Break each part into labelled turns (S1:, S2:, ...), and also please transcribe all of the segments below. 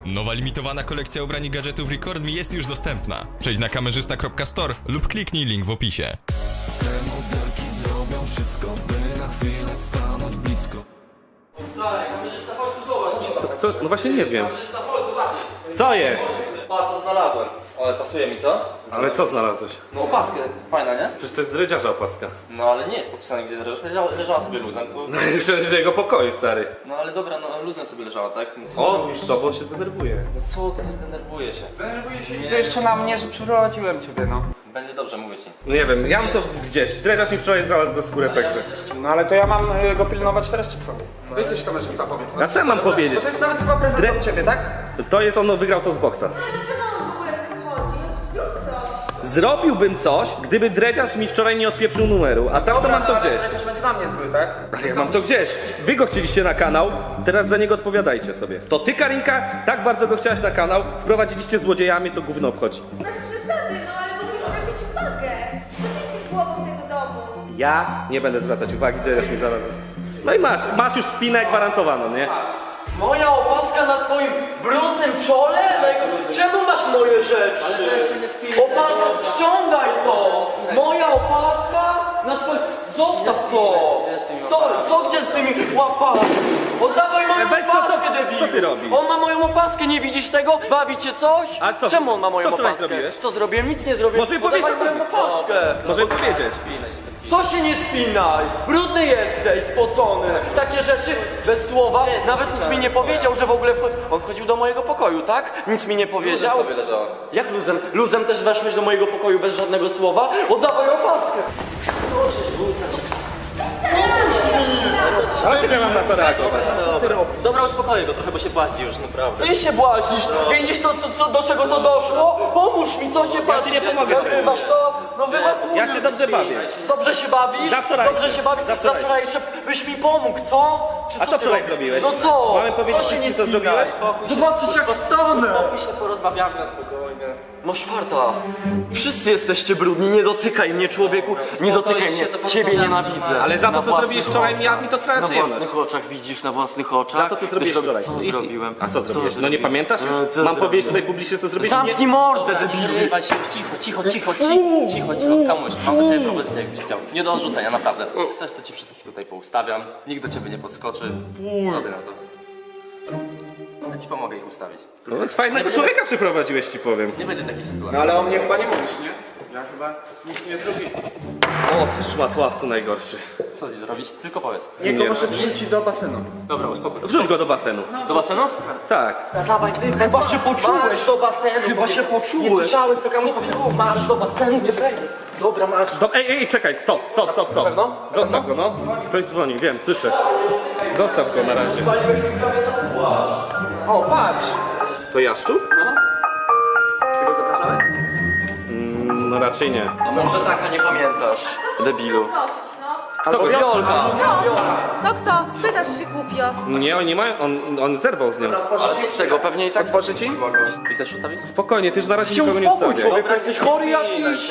S1: Nowa limitowana kolekcja ubrań i gadżetów Record Me jest już dostępna. Przejdź na kamerzysta.store lub kliknij link w opisie.
S2: Te modelki zrobią wszystko, by na chwilę stanąć blisko.
S3: Stary, kamerzysta, chodź tu zobacz.
S4: Co? No właśnie nie wiem.
S3: Kamerzysta, chodź, zobacz.
S4: Co jest?
S3: Patrz, co znalazłem. Ale pasuje mi, co?
S4: Ale co znalazłeś?
S3: No opaskę, fajna, nie?
S4: Przecież to jest z rydziarza opaska.
S3: No ale nie jest popisane, gdzie leżała sobie luzem. To...
S4: No i przecież do jego pokoju, stary.
S3: No ale dobra, no luzem sobie leżała, tak?
S4: O, już to, bo się zdenerwuje.
S3: No co, to nie zdenerwuje się.
S5: Denerwuję się i to jeszcze na mnie, że przeprowadziłem ciebie, no.
S3: Będzie dobrze, mówię ci.
S4: No nie wiem, ja mam to gdzieś. Dredziarz mi wczoraj znalazł za skórę pegrze.
S5: No ale to ja mam go pilnować teraz, czy co? Jesteś kamerzysta, powiedz. No.
S4: A co ja mam powiedzieć?
S5: To jest nawet chyba prezent od ciebie, tak?
S4: To jest on wygrał to z boksa.
S6: Dlaczego on w ogóle w tym chodzi? No zrób coś.
S4: Zrobiłbym coś, gdyby dredziarz mi wczoraj nie odpieprzył numeru, a tak to mam to
S5: ale
S4: gdzieś.
S5: przecież będzie na mnie zły, tak?
S4: Ale ja mam to gdzieś. Wy go chcieliście na kanał, teraz za niego odpowiadajcie sobie. To ty, Karinka, tak bardzo go chciałaś na kanał, wprowadziliście złodziejami, to gówno obchodzi.
S6: Bez przesady, no ale mogli zwrócić uwagę. To ty jesteś głową tego domu.
S4: Ja nie będę zwracać uwagi, dredziarz mi zaraz... No i masz już spinę gwarantowaną, nie?
S7: Moja opaska na twoim brudnym czole? Czemu masz moje rzeczy? Opaska, ściągaj to! Moja opaska na twoim... Zostaw to! Co gdzie z tymi łapami? Oddawaj moją
S4: Weź, co
S7: opaskę,
S4: to-
S7: debilu!
S4: co ty robisz?
S7: On ma moją opaskę, nie widzisz tego? Bawi cię coś?
S4: A co-
S7: Czemu on ma moją
S4: co wczoraj
S7: opaskę?
S4: zrobiłeś?
S7: Co zrobiłem? Nic nie zrobiłem.
S4: Może powiedz,
S7: Oddawaj
S4: co
S7: moją
S4: zrobiłeś?
S7: opaskę!
S4: Może powiedzieć.
S7: Co się nie spinaj? Brudny jesteś, spocony. Takie rzeczy bez słowa. Nawet nic mi nie powiedział, że w ogóle on wchodził do mojego pokoju, tak? Nic mi nie powiedział.
S3: Luzem sobie leżała.
S7: Jak luzem? Luzem też weszłeś do mojego pokoju bez żadnego słowa? Oddawaj opaskę.
S4: Ale czego ja mam na to reagować?
S3: Dobra, uspokoję go trochę, bo się błaźni już, naprawdę.
S7: Ty się błaźnisz. Widzisz to, do czego to doszło? Pomóż mi, co się
S4: Ja ci nie pomogę.
S7: Nagrywasz to? No wymachujesz.
S4: Ja się dobrze bawię.
S7: Dobrze się bawisz?
S4: Za wczoraj.
S7: Dobrze się bawisz?
S4: Za
S7: Za
S4: wczoraj.
S7: wczorajsze byś mi pomógł, co? Czy
S4: A co
S7: ty
S4: wczoraj
S7: robisz?
S4: zrobiłeś?
S7: No co?
S4: Mamy powiedzieć
S7: Co się nie
S4: wszystkim, co
S7: spinaj?
S4: zrobiłeś?
S7: Zobaczysz jak stanę!
S3: Spokój się, porozmawiamy na spokojnie.
S7: Masz farta. Wszyscy jesteście brudni, nie dotykaj mnie, człowieku. Nie dotykaj mnie.
S3: to
S7: Ciebie
S3: porozmawiamy.
S7: nienawidzę.
S4: Ale za to,
S7: Na
S4: co
S7: własnych
S4: zrobiłeś wczoraj,
S7: oczach.
S4: mi to sprawia
S7: Na
S4: przyjemność.
S7: własnych oczach, widzisz, na własnych oczach.
S4: Za to, co zrobiłeś wczoraj.
S7: Co
S4: I-
S7: zrobiłem?
S4: A co zrobiłeś? No nie
S7: zrobiłem?
S4: pamiętasz już?
S7: Co
S4: Mam
S7: zrobiłem?
S4: powiedzieć tutaj publicznie, co zrobiłeś?
S7: Zamknij mordę,
S3: Nie
S7: debilu.
S3: wyrywaj się, cicho. Kamuś, mam do ciebie propozycję, jakbyś chciał. Nie do odrzucenia, naprawdę. Chcesz, to ci wszystkich tutaj poustawiam. Nikt do ciebie nie podskoczy. Co ty na to? Ja ci pomogę ich ustawić.
S4: No, fajnego człowieka przyprowadziłeś, ci powiem.
S3: Nie będzie takich sytuacji.
S5: No ale o mnie chyba nie mówisz, nie? Ja chyba nic nie zrobiłem.
S4: O, ty szmatławcu najgorszy.
S3: Co z nim robić? Tylko powiedz.
S5: Niego może wrzucić do basenu.
S3: Dobra, uspokój.
S4: Wrzuć go do basenu.
S3: Do basenu?
S4: Tak.
S7: Dawaj, chyba się poczułeś. do basenu. Chyba się
S3: Nie
S7: poczułeś.
S3: słyszałeś, co Kamuś powiedział? Masz do basenu, nie wejdę.
S7: Dobra, masz.
S4: Ej, czekaj, stop. Zostaw go, no. Ktoś dzwoni, wiem, słyszę. Zostaw go na razie.
S5: O, patrz!
S4: To Jaszczu?
S5: Ty go zapraszałeś?
S4: No raczej nie.
S7: A może taka nie pamiętasz, debilu.
S6: Prosić, no.
S4: Kto go
S7: Wiolka.
S6: No kto? Pytasz się głupio.
S4: Nie, oni mają, on zerwał z nią.
S7: Ale co z tego? Pewnie i tak
S5: Otworzy ci?
S3: I chcesz ustawić?
S4: Spokojnie, ty już na razie
S7: się
S4: nikogo nie
S7: uspokój,
S4: wstawiaj.
S7: człowieku. Jesteś chory jakiś.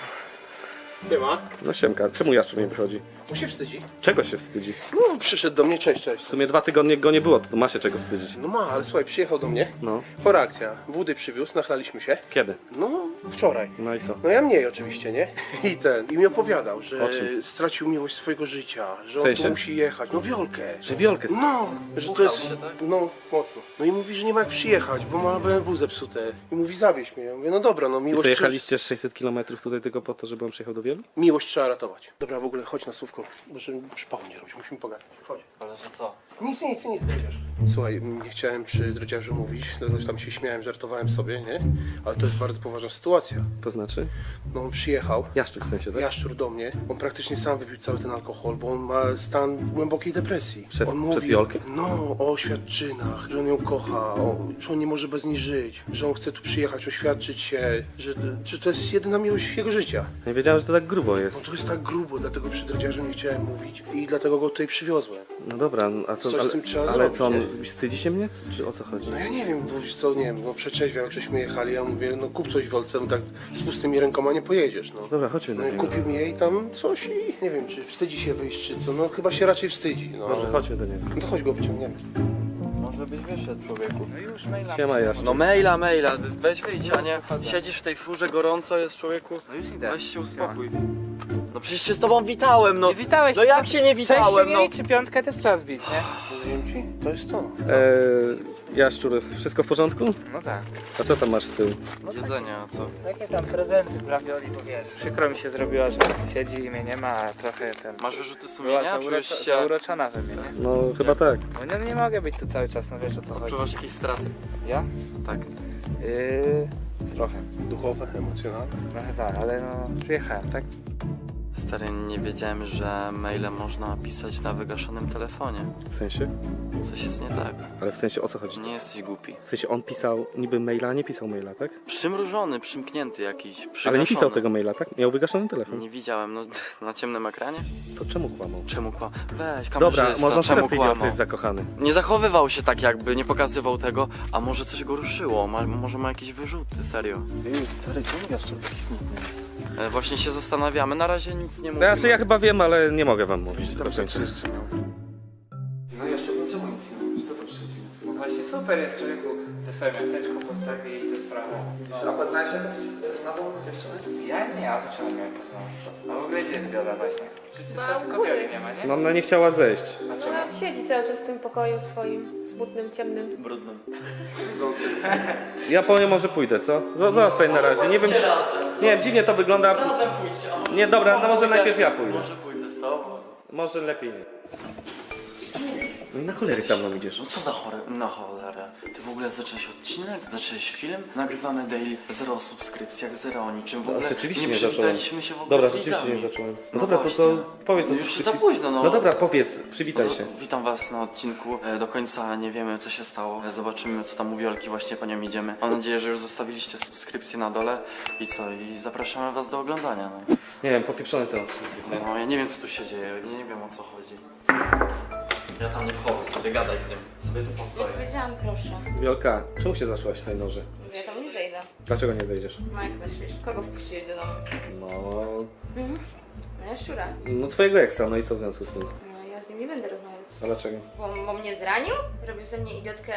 S4: No Siemka, czemu Jaszczu nie wychodzi?
S5: Mu się wstydzi.
S4: Czego się wstydzi?
S5: No, przyszedł do mnie, cześć.
S4: W sumie 2 tygodnie go nie było, to ma się czego wstydzić.
S5: No ma, ale słuchaj, przyjechał do mnie.
S4: No.
S5: Chora akcja. Wody przywiózł, nachlaliśmy się.
S4: Kiedy?
S5: No, wczoraj.
S4: No i co?
S5: No ja mniej oczywiście, nie? I mi opowiadał, że
S4: O czym?
S5: stracił miłość swojego życia, że on
S4: sensie?
S5: tu musi jechać. No Wiolkę.
S4: Że Wiolkę.
S5: No, że to jest, no mocno. No i mówi, że nie ma jak przyjechać, bo ma BMW zepsute. I mówi, zawieź mnie. Ja mówię, no dobra, no
S4: I
S5: miłość,
S4: co, jechaliście 600 km tutaj tylko po to, żeby on przyjechał do Wielu?
S5: miłość trzeba ratować. Dobra, w ogóle chodź na słówko, bo żeby przypału nie robić, musimy pogadać. Chodź.
S3: Ale że co?
S5: Nic, drodziarz. Słuchaj, nie chciałem przy drodziarzu mówić, dlatego że tam się śmiałem, żartowałem sobie, nie? Ale to jest bardzo poważna sytuacja.
S4: To znaczy?
S5: No on przyjechał,
S4: Jaszczuk w sensie, tak?
S5: jaszczur do mnie, on praktycznie sam wypił cały ten alkohol, bo on ma stan głębokiej depresji.
S4: Przez-
S5: on
S4: przez Wiolkę?
S5: No, o oświadczynach, że on ją kocha, że on nie może bez niej żyć, że on chce tu przyjechać, oświadczyć się, że to jest jedyna miłość jego życia.
S4: Nie wiedziałem, że to tak grubo
S5: No
S4: jest.
S5: to jest tak grubo, dlatego przy drodziarzu nie chciałem mówić i dlatego go tutaj przywiozłem.
S4: No dobra, a co,
S5: Coś z tym trzeba
S4: ale
S5: zrobić,
S4: co, on
S5: nie?
S4: wstydzi się mnie? Czy o co chodzi?
S5: No ja nie wiem, bo wiesz co, nie wiem, bo przeczeźwiał, jak żeśmy jechali, ja mówię, no kup coś w Wiolce, no tak z pustymi rękoma nie pojedziesz, no.
S4: Dobra, chodźmy
S5: No
S4: do
S5: i
S4: niego.
S5: kupił mi jej tam coś i nie wiem, czy wstydzi się wyjść, czy co, no chyba się raczej wstydzi, no.
S4: Może chodźmy do niego.
S5: No to chodź go wyciągniemy.
S7: Może żebyś wyszedł, człowieku.
S8: No już maila.
S4: Siema Jaszczur.
S7: No maila, weź wyjdź, a nie siedzisz w tej furze, gorąco jest, człowieku.
S8: No już idę.
S7: Weź się uspokój. No przecież się z tobą witałem, no.
S8: Nie witałeś
S7: No
S8: się,
S7: jak
S8: co?
S7: się nie
S8: Sześć się
S7: witałem,
S8: nie
S7: no.
S8: liczy, piątkę też trzeba zbić, nie?
S5: Powiem ci, to jest to.
S4: Jaszczur, wszystko w porządku?
S8: No tak.
S4: A co tam masz z tyłu?
S7: Jedzenie, a co?
S8: Jakie tam prezenty dla Wioli, bo wiesz. Przykro mi się zrobiła, że siedzi i mnie nie ma, a trochę ten...
S7: Masz wyrzuty
S8: Była
S7: sumienia? Czujesz się...
S8: zauroczona we mnie, nie?
S4: No chyba tak.
S8: No nie mogę być tu cały czas, no wiesz o co chodzi.
S7: Odczuwasz jakieś straty?
S8: Ja?
S7: Tak.
S8: Trochę.
S5: Duchowe, emocjonalne.
S8: Trochę tak, ale no przyjechałem, tak?
S7: Stary, nie wiedziałem, że maile można pisać na wygaszonym telefonie.
S4: W sensie?
S7: Coś jest nie tak.
S4: Ale w sensie o co chodzi?
S7: Nie jesteś głupi.
S4: W sensie on pisał niby maila, a nie pisał maila, tak?
S7: Przymrużony, przymknięty jakiś, przygaszony.
S4: Ale nie pisał tego maila, tak? Miał wygaszony telefon.
S7: Nie widziałem, no na ciemnym ekranie?
S4: To czemu kłamał?
S7: Czemu kłam? Weź,
S4: Dobra,
S7: kamerzysta,
S4: można
S7: czemu
S4: teraz wiedział, co
S7: kłamał?
S4: jest zakochany.
S7: Nie zachowywał się tak jakby, nie pokazywał tego, a może coś go ruszyło, może ma jakieś wyrzuty, serio. Ty, stary, czemu Jaszczur taki smutny jest? Właśnie się zastanawiamy, na razie nic nie mówimy.
S4: Znaczy ja chyba wiem, ale nie mogę wam mówić. do końca.
S8: No jeszcze, no czemu nic nie mówisz? Co to przyjdzie? No właśnie super jest, człowieku, te swoje miasteczko postawi i te sprawy.
S9: A poznałeś jakąś nową dziewczynę?
S8: Ja nie, a czemu miałem poznać? A w ogóle gdzie jest Wiola właśnie? Wszyscy są, tylko
S6: góry.
S8: Wioli nie ma, nie?
S4: No ona nie chciała zejść.
S8: A czemu?
S6: Ona siedzi cały czas w tym pokoju swoim, smutnym, ciemnym.
S7: Brudnym.
S4: Ja powiem, może pójdę, co? Zostań na razie, nie wiem. Nie, dziwnie to wygląda.
S7: Razem pójdźcie, a może...
S4: Nie, dobra, no może najpierw ja pójdę.
S7: Może pójdę z tobą.
S4: Może lepiej nie. No i na cholery za mną idziesz.
S7: No co za chore... Na cholerę. Ty w ogóle zacząłeś odcinek? Zacząłeś film? Nagrywamy daily, 0 subskrypcji, jak 0 o niczym. W
S4: No,
S7: ogóle
S4: rzeczywiście
S7: nie
S4: nie zacząłem.
S7: przywitaliśmy się w ogóle
S4: Dobra,
S7: z
S4: rzeczywiście
S7: widzami.
S4: nie zacząłem. No,
S7: No
S4: dobra,
S7: właśnie.
S4: to powiedz o
S7: No już
S4: subskrypcji.
S7: za późno, no.
S4: No dobra, powiedz, przywitaj się.
S7: Witam was na odcinku. Do końca nie wiemy, co się stało. Zobaczymy, co tam u Wiolki, właśnie po nią idziemy. Mam nadzieję, że już zostawiliście subskrypcję na dole. I co? I zapraszamy was do oglądania. No.
S4: Nie wiem, popieprzony ten odcinek.
S7: No, ja nie wiem, co tu się dzieje. Nie wiem, o co chodzi. Ja tam nie wchodzę, sobie gadaj z nim. Sobie tu
S6: Jak
S7: postoję.
S6: powiedziałam, proszę.
S4: Wiolka, czemu się zaszłaś w tej noży?
S6: Ja tam nie zejdę.
S4: Dlaczego nie zejdziesz?
S6: No jak myślisz? Kogo wpuściłeś do domu?
S4: No...
S6: No Jaszczura.
S4: No twojego eksa, no i co w związku z tym?
S6: No ja z nim nie będę rozmawiać.
S4: A dlaczego?
S6: Bo mnie zranił? Robił ze mnie idiotkę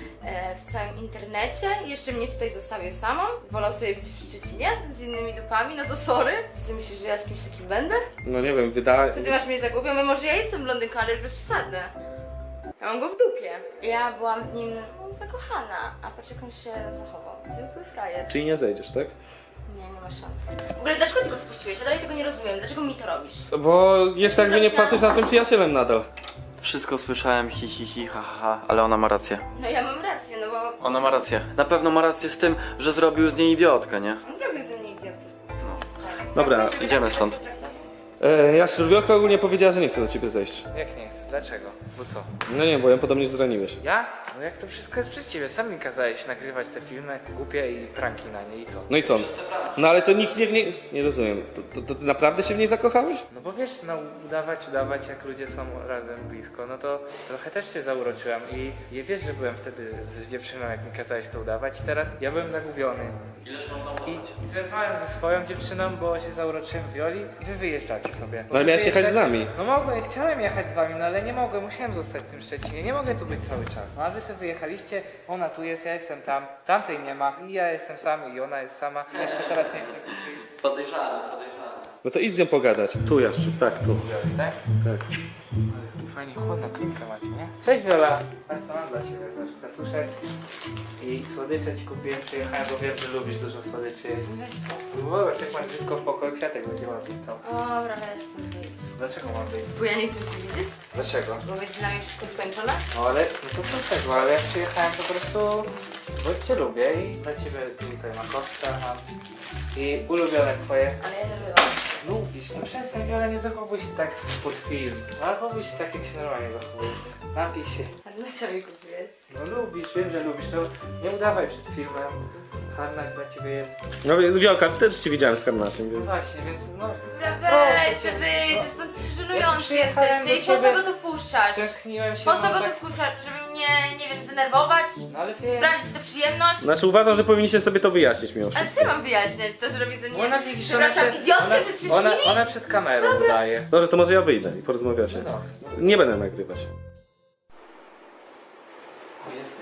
S6: w całym internecie? Jeszcze mnie tutaj zostawił samą? Wolał sobie być w Szczecinie z innymi dupami? No to sorry. Czy ty myślisz, że ja z kimś takim będę?
S4: No nie wiem, wydaje...
S6: Co ty masz mnie za głupią? Może ja jestem blondynką, ale już bez przesady. Ja mam go w dupie. Ja byłam w nim zakochana, a patrz jak on się zachował. Zwykły frajer.
S4: Czyli nie zejdziesz, tak?
S6: Nie ma szans. W ogóle dlaczego ty go wpuściłeś? Ja dalej tego nie rozumiem. Dlaczego mi to robisz?
S4: Bo jest jakby nie patrzeć na tym przyjacielem nadal.
S7: Wszystko słyszałem, ha, ha, ale ona ma rację.
S6: No ja mam rację, no bo
S7: Ona ma rację. Na pewno ma rację z tym, że zrobił z niej idiotkę, nie?
S6: on zrobił ze mnie idiotkę.
S4: Dobra,
S6: Chciałabym, żeby
S7: idziemy
S6: tak się
S7: stąd.
S6: potraktował.
S4: Jaszczur, Wiolka ogólnie powiedziała, że nie chce do ciebie zejść.
S8: Jak nie chcę? Dlaczego? Bo co?
S4: No nie, bo ją podobnie zraniłeś.
S8: Ja? No jak to wszystko jest przez ciebie? Sam mi kazałeś nagrywać te filmy głupie i pranki na nie i co?
S4: No i co? No ale to nikt nie rozumiem. To ty naprawdę się w niej zakochałeś?
S8: No bo wiesz, no udawać jak ludzie są razem blisko, no to trochę też się zauroczyłem i wiesz, że byłem wtedy z dziewczyną, jak mi kazałeś to udawać i teraz ja byłem zagubiony.
S7: Ileż można
S8: I zerwałem ze swoją dziewczyną, bo się zauroczyłem Wioli i wy wyjeżdżacie sobie.
S4: No ale miałeś jechać z nami.
S8: No mogłem, chciałem jechać z wami, no ale nie mogłem, musiałem zostać w tym Szczecinie, nie mogę tu być cały czas. No a wy sobie wyjechaliście, ona tu jest, ja jestem tam, tamtej nie ma i ja jestem sam i ona jest sama. I jeszcze teraz nie chcę kupić.
S7: Podejrzane.
S4: No to idź z nią pogadać. Tu Jaszczur, tak, tu.
S8: Wioli, tak?
S4: Tak.
S8: Tu fajnie chłodną klinkę macie, nie? Cześć Wiola! Patrz co mam dla ciebie, masz kwiatuszek i słodycze ci kupiłem, przyjechałem, bo wiem, że lubisz dużo słodyczy jeść.
S6: Weź to.
S8: Zobacz, jak masz brzydko w pokoju, kwiatek będzie ładnie stał.
S6: Dobra, jestem, wyjdź.
S8: Dlaczego mam wyjść?
S6: Bo ja nie chcę cię widzieć,
S8: Dlaczego?
S6: bo między nami wszystko skończone.
S8: No ale, no to co z tego, ale ja przyjechałem po prostu, bo cię lubię i dla ciebie tutaj makowca mam i ulubione twoje.
S6: Ale ja nie byłam.
S8: Lubisz, no przestań Wiola, nie zachowuj się tak pod film. Zachowuj się tak, jak się normalnie zachowujesz. Napij się.
S6: A dlaczego mi kupiłeś?
S8: No lubisz, wiem, że lubisz, no nie udawaj przed filmem. Harnaś dla ciebie jest.
S4: No Wiolka, też cię widziałem z Karnaszem,
S8: No
S4: więc...
S8: właśnie, więc no.
S6: Dobra,
S8: Proszę
S6: weź
S8: cię,
S6: się wyjdź,
S8: no.
S6: stąd
S8: Ja
S6: żenujący
S8: przyjechałem
S6: jesteście i
S8: do
S6: po co
S8: ciebie.
S6: go tu wpuszczasz?
S8: Tęskniłem się.
S6: Po co
S8: no
S6: go tu
S8: tak-
S6: wpuszczasz? Żeby mnie, nie wiem, zdenerwować?
S8: No ale wiem.
S6: Sprawić tę przyjemność?
S4: Znaczy uważam, że powinniście sobie to wyjaśnić mimo
S6: Ale
S4: wszystko.
S6: co ja mam wyjaśniać? To, że robi ze mnie,
S8: Ona widzisz,
S6: przepraszam, idiotkę przed wszystkimi?
S8: ona przed kamerą udaje.
S4: Dobrze, to może ja wyjdę i porozmawiacie.
S8: No.
S4: Nie będę nagrywać.
S8: O Jezu,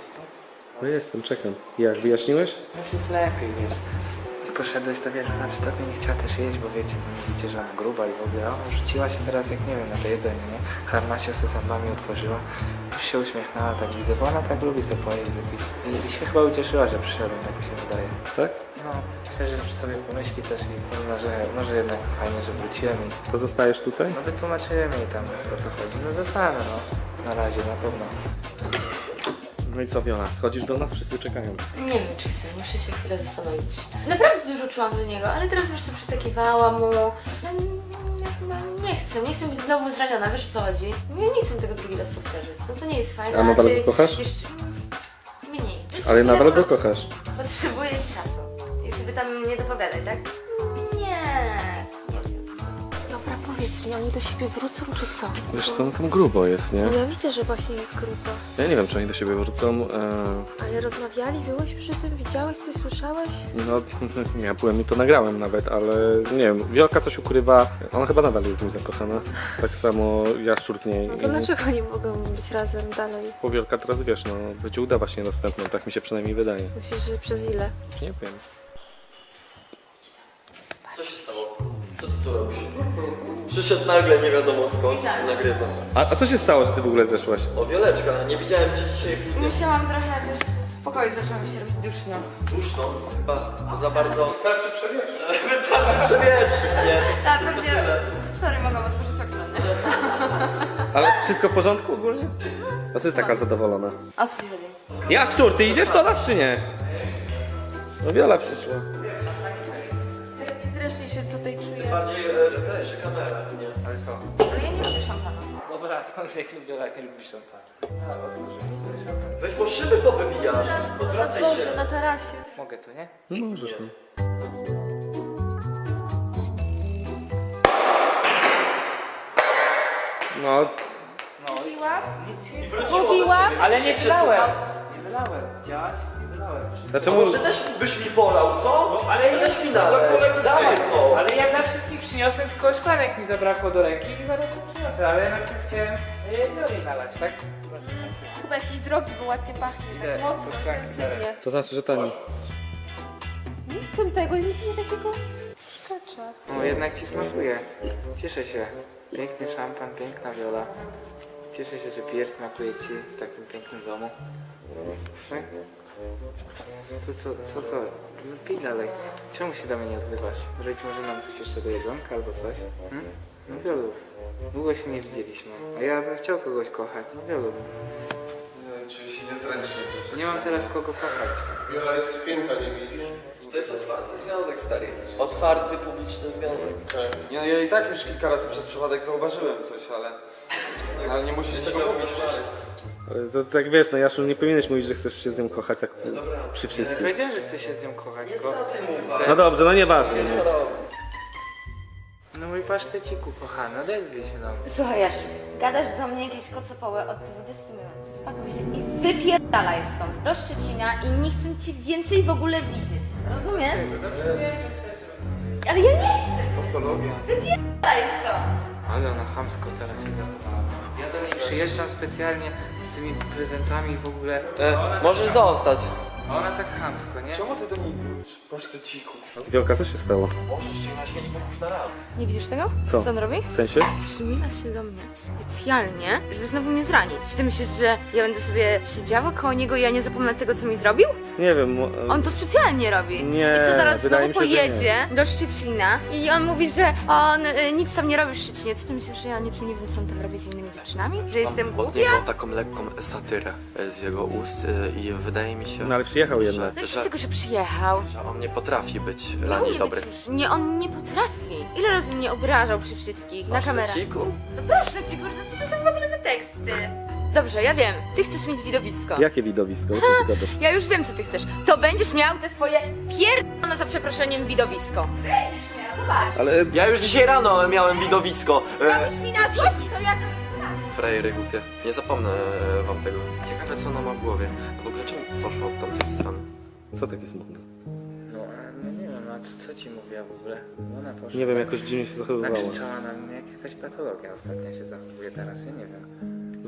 S4: No jestem, czekam. Jak, wyjaśniłeś?
S8: Już jest lepiej, wiesz. I poszedłeś, to wiesz, ona przy tobie nie chciała też jeść, bo wiecie, bo mówicie, że ona gruba i w ogóle, a ona rzuciła się teraz, jak nie wiem, na to jedzenie, nie? Harnasia se zębami otworzyła, już się uśmiechnęła, tak widzę, bo ona tak lubi sobie pojeść, wypić. I się chyba ucieszyła, że przyszedłem, tak mi się wydaje.
S4: Tak?
S8: No, szczerze, że sobie pomyśli też i może jednak fajnie, że wróciłem i
S4: To zostajesz tutaj?
S8: no wytłumaczyłem jej tam, o co chodzi. No zostanę, no. Na razie, na pewno.
S4: No i co, Wiola, schodzisz do nas? Wszyscy czekają.
S6: Nie wiem, czy chcę, muszę się chwilę zastanowić. Naprawdę dużo czułam do niego, ale teraz już co przytakiwałam mu. No, ja chyba nie chcę być znowu zraniona, wiesz o co chodzi? Ja nie chcę tego drugi raz powtarzać, no to nie jest fajne.
S4: A nadal
S6: ty
S4: go kochasz?
S6: Jeszcze... Mniej. Jeszcze
S4: Ale
S6: chwilę
S4: nadal
S6: po
S4: go
S6: prostu
S4: kochasz.
S6: Potrzebuję czasu. I sobie tam nie dopowiadaj, tak? Nie wiem.
S10: Dobra, powiedz mi, oni do siebie wrócą czy co?
S4: Wiesz co, no tam grubo jest, nie?
S10: No ja widzę, że właśnie jest grupa.
S4: Ja nie wiem, czy oni do siebie wrócą.
S10: Ale rozmawiali, byłeś przy tym, widziałeś coś, słyszałeś?
S4: No, ja byłem i to nagrałem nawet, ale nie wiem, Wiolka coś ukrywa. Ona chyba nadal jest w nim zakochana. Tak samo Jaszczur w niej.
S10: No to dlaczego nie mogą być razem dalej?
S4: Bo Wiolka teraz, wiesz, no, będzie udawać niedostępną, tak mi się przynajmniej wydaje.
S10: Myślisz, że przez ile?
S4: Nie wiem.
S7: Co się stało? Co ty tu robisz? Przyszedł nagle, nie wiadomo skąd, nagrywa.
S4: A co się stało, że ty w ogóle zeszłaś?
S7: O, Wioleczka, nie widziałem cię dzisiaj w filmie.
S6: Musiałam trochę, wiesz, w pokoju zaczęło mi się robić duszno.
S7: Duszno, chyba za bardzo... Wystarczy przewietrzyć. Wystarczy przewietrzyć, nie?
S6: Tak, pewnie. Sorry, mogłam otworzyć okno, nie?
S4: Ale wszystko w porządku ogólnie? A co jest taka zadowolona?
S6: O co ci chodzi?
S4: Jaszczur, ty idziesz do nas czy nie? No Wiola przyszła.
S10: Zresztą się tutaj czuję.
S7: Bardziej skleszy kamera, nie?
S8: Ale co?
S6: Ale ja nie lubię szampana.
S8: Dobra, to jak lubię, nie lubisz szampana.
S7: Weź, bo szyby powybijasz. Odwracaj się.
S10: Boże, na tarasie.
S8: Mogę tu, nie?
S4: No możesz mi. No,
S10: Mówiłam?
S8: Ale nie wylałem! Nie wylałem, widziałaś? Nie wylałem.
S4: dlaczego?
S7: Może też byś mi polał, co?
S8: ale
S7: ja
S8: ja-
S7: też mi nalej. Dawaj to.
S8: Ale ja dla wszystkich przyniosłem, tylko szklanek mi zabrakło do ręki i zaraz to przyniosę, ale najpierw chciałem Wioli nalać, tak?
S10: Chyba jakiś drogi, bo ładnie pachnie.
S8: Idę,
S10: Tak mocno,
S8: po szklanki
S10: intensywnie.
S4: To znaczy, że tani.
S10: Nie chcę tego, nie chcę takiego sikacza.
S8: No jednak ci smakuje. Cieszę się. Piękny szampan, piękna Wiola. Cieszę się, że pier smakuje ci w takim pięknym domu. Tak? Co? No pij dalej. Czemu się do mnie nie odzywasz? Robić może nam coś jeszcze do jedzonka albo coś? No Wiolu, długo się nie widzieliśmy. A ja bym chciał kogoś kochać. No Wiolu.
S5: Czuję się niezręcznie.
S8: Nie mam teraz kogo kochać.
S5: Wiola jest spięta, nie widzisz?
S7: To jest otwarty związek, stary. Otwarty, publiczny związek.
S9: Ja i tak już kilka razy przez przypadek zauważyłem coś, ale nie musisz tego mówić.
S4: Ale to tak wiesz, no Jaszczur, nie powinieneś mówić, że chcesz się z nią kochać tak przy
S8: Nie
S4: wszystkich.
S8: powiedziałem, że chcę się z nią kochać, tylko...
S4: No dobrze, no nieważne.
S7: Co
S4: Nie.
S7: robi?
S8: No mój paszteciku kochany, odezwij się do mnie.
S6: Słuchaj, Jasz, gadasz do mnie jakieś kocopoły od 20 minut. Spakuj się i wypierdalaj stąd do Szczecina i nie chcę cię więcej w ogóle widzieć. Rozumiesz? Ale ja nie chcę cię. Wypierdalaj stąd.
S8: Ale ona chamsko teraz się zachowała. Ja do niej przyjeżdżam specjalnie z tymi prezentami w ogóle.
S7: Możesz zostać.
S8: A ona tak chamsko, nie?
S9: Czemu ty do niej mówisz? Paszteciku.
S4: Wiolka, co się stało?
S7: Możesz ściągnąć 5 metrów na raz.
S6: Nie widzisz tego?
S4: Co?
S6: Co on robi?
S4: W sensie?
S6: Przymila się do mnie specjalnie, żeby znowu mnie zranić. Ty myślisz, że ja będę sobie siedziała koło niego i ja nie zapomnę tego, co mi zrobił?
S4: Nie wiem.
S6: On to specjalnie robi.
S4: Nie,
S6: I co zaraz
S4: wydaje
S6: znowu
S4: mi się, że
S6: pojedzie do Szczecina i on mówi, że on nic tam nie robi w Szczecinie. Co ty myślisz, że ja niczym nie wiem, co on tam robi z innymi dziewczynami? Że jestem
S11: Od
S6: głupia?
S11: niego taką lekką satyrę z jego ust i wydaje mi się,
S4: No ale przyjechał jednak.
S6: No i z tego, że przyjechał.
S11: że on nie potrafi być
S6: Nie
S11: dla niej
S6: umie
S11: dobry.
S6: być już. Nie, on nie potrafi. Ile razy mnie obrażał przy wszystkich, na kamerach.
S11: Paszteciku?
S6: No proszę ci, kurde, co to są w ogóle za teksty? Dobrze, ja wiem. Ty chcesz mieć widowisko.
S4: Jakie widowisko? O czym ty gadasz?
S6: Ja już wiem, co ty chcesz. To będziesz miał te swoje pierdolone za przeproszeniem widowisko. Będziesz miał, zobacz.
S4: Ale
S11: Ja już dzisiaj rano miałem widowisko.
S6: Robisz mi na złość, to ja...
S11: Frajery głupie. Nie zapomnę wam tego. Ciekawe co ona ma w głowie. W ogóle czemu poszła od tamtej strony?
S4: co takie smutne?
S8: No, no nie wiem, a co ci mówiła w ogóle? Ona poszła
S4: Nie wiem,
S8: tak,
S4: jakoś dziwnie się zachowywała.
S8: nakrzyczała na mnie, jak jakaś patologia ostatnio się zachowuje teraz, ja nie wiem.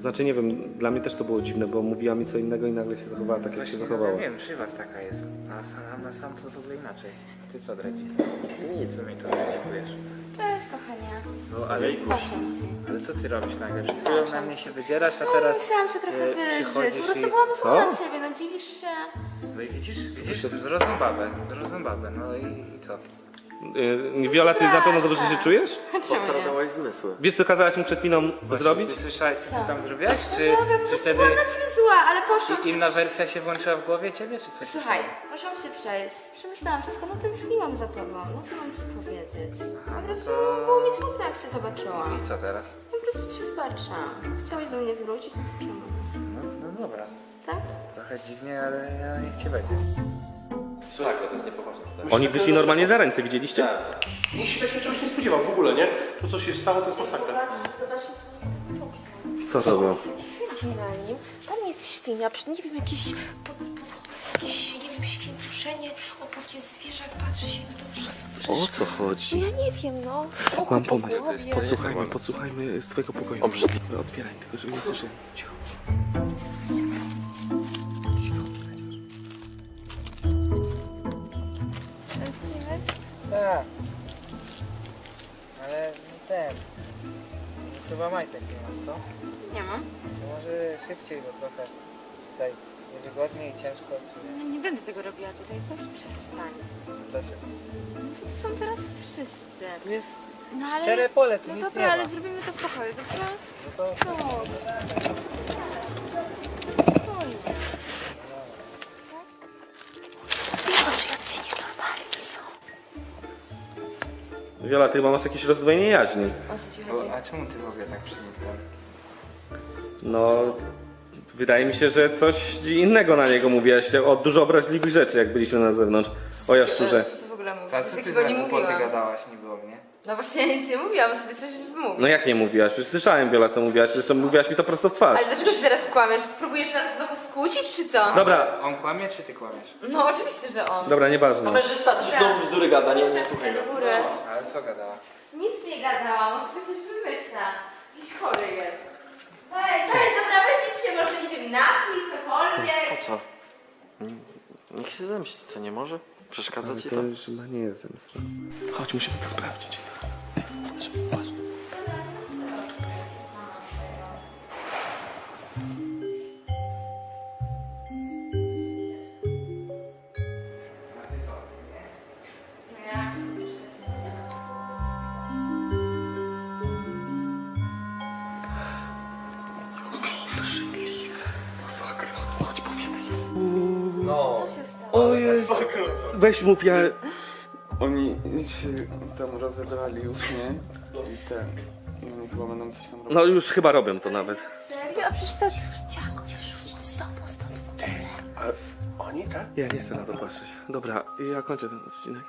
S4: znaczy nie wiem, dla mnie też to było dziwne, bo mówiła mi co innego i nagle się zachowała tak, jak się zachowała.
S8: Ja wiem, przy was taka jest. A na sam to w ogóle inaczej. A ty co, Dredzi? Nic, co mi tu dziękujesz.
S6: Cześć, kochanie.
S8: No ale Ale co ty robisz nagle? Przed chwilą na mnie się wydzierasz, a teraz
S6: Musiałam się trochę wyżyć.
S8: przychodzisz
S6: Po prostu
S8: i...
S6: byłam zła na ciebie, no dziwisz się.
S8: No i widzisz, zrozum babę, no i co?
S4: Viola, ty na pewno dobrze się czujesz?
S11: Postradałaś zmysły.
S4: Wiesz co kazałaś mi przed chwilą zrobić?
S8: Ty słyszałeś, co ty tam zrobiłaś? Czy,
S6: Dobra, po
S8: czy
S6: prostu
S8: wtedy
S6: byłam na ciebie zła, ale poszłam się...
S8: inna wersja się włączyła w głowie ciebie, czy coś?
S6: Słuchaj, poszłam się przejść, przemyślałam wszystko, no tęskniłam za tobą, no co mam ci powiedzieć? Po prostu było mi smutno, jak cię zobaczyłam.
S8: I co teraz?
S6: Po prostu ci wybaczam. Chciałeś do mnie wrócić, no to czemu?
S8: No dobra.
S6: Tak?
S8: Trochę dziwnie, ale niech ci będzie.
S3: Masakra, to jest niepoważne.
S4: Oni wyszli normalnie za ręce, widzieliście?
S5: Nikt się takiego czegoś nie spodziewał w ogóle, nie? To co się stało, to jest masakra.
S10: Zobaczcie,
S4: Co to było?
S10: siedzi na nim. Tam jest świnia, nie wiem, jakieś, nie wiem, świętuszenie, obok jest zwierzak, patrzy się na to wszystko.
S4: O co chodzi?
S10: Ja nie wiem, no.
S4: Mam pomysł. Podsłuchajmy z twojego pokoju. Obrzydliwe. Otwieraj, tylko żeby nie słyszeli. Cicho.
S6: Tęskniłeś?
S8: Tak. Ale ten... Chyba majtek nie masz, co?
S6: Nie mam.
S8: To może szybciej, bo trochę tutaj niewygodnie i ciężko.
S6: Ja nie będę tego robiła tutaj, weź przestań.
S8: Dlaczego?
S6: Tu są teraz wszyscy.
S8: Tu jest
S6: No ale...
S8: szczere pole, tu
S6: No
S8: nic
S6: dobra,
S8: nie ma.
S6: ale zrobimy to w pokoju, dobrze?
S8: No to...
S6: Spokojnie.
S10: Jacy nienormalni są.
S4: Viola, ty chyba masz jakieś rozdwojenie jaźni.
S6: O co ci chodzi?
S8: A czemu ty w ogóle tak przenikłem?
S4: No, wydaje mi się, że coś innego na niego mówiłaś, o dużo obraźliwych rzeczy, jak byliśmy na zewnątrz. O jaszczurze.
S6: Co ty w ogóle mówisz?
S8: A co ty
S6: Takiego nie
S8: za głupoty
S6: mówiłam.
S8: gadałaś niby o mnie?
S6: No właśnie ja nic nie mówiłam, sobie coś wymówię.
S4: No jak nie mówiłaś? Przecież słyszałem, Viola, co mówiłaś. Zresztą mówiłaś mi to prosto w twarz.
S6: Ale dlaczego ty teraz kłamiesz? Spróbujesz nas znowu skłócić, czy co?
S4: Dobra,
S8: On kłamie, czy ty kłamiesz?
S6: No oczywiście, że on.
S4: dobra, nieważne.
S3: Kamerzysta coś znowu bzdury gada, nie słuchaj go.
S6: Do góry.
S8: Ale co gadała?
S6: Nic nie gadałam, on sobie coś wymyśla. Jakiś chory jest. Weź, dobra, weź idź się może, nie wiem, napij, cokolwiek.
S11: Po co? Niech się zemści, co nie może? Przeszkadza
S4: Ale
S11: ci
S4: to
S11: to?
S4: już chyba nie jest zemsta. Chodź, musimy to sprawdzić.
S6: Co się stało?
S4: O Jezu. Weź mów, ja...
S9: Oni się tam rozebrali już, nie? I i oni chyba będą coś tam robić.
S4: No już chyba robią to nawet.
S10: Serio? A przecież tak chciała go wyrzucić z domu stąd w ogóle.
S5: Ale oni, tak?
S4: Ja nie chcę na to patrzeć. Dobra, ja kończę ten odcinek.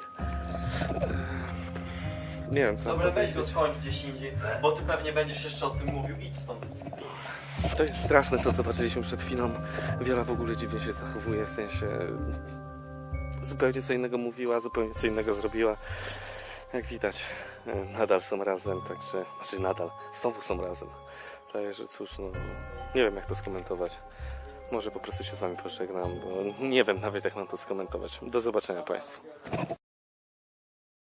S4: Nie wiem co
S11: Dobra, weź
S4: powiedzieć.
S11: go skończ gdzieś indziej, bo ty pewnie będziesz jeszcze o tym mówił. Idź stąd.
S4: To jest straszne, co zobaczyliśmy przed chwilą. Viola w ogóle dziwnie się zachowuje, w sensie... Zupełnie co innego mówiła, zupełnie co innego zrobiła. Jak widać, nadal są razem, także... Znaczy nadal, znowu są razem. Także cóż, no... Nie wiem jak to skomentować. Może po prostu się z wami pożegnam, bo nie wiem nawet jak mam to skomentować. Do zobaczenia Państwu.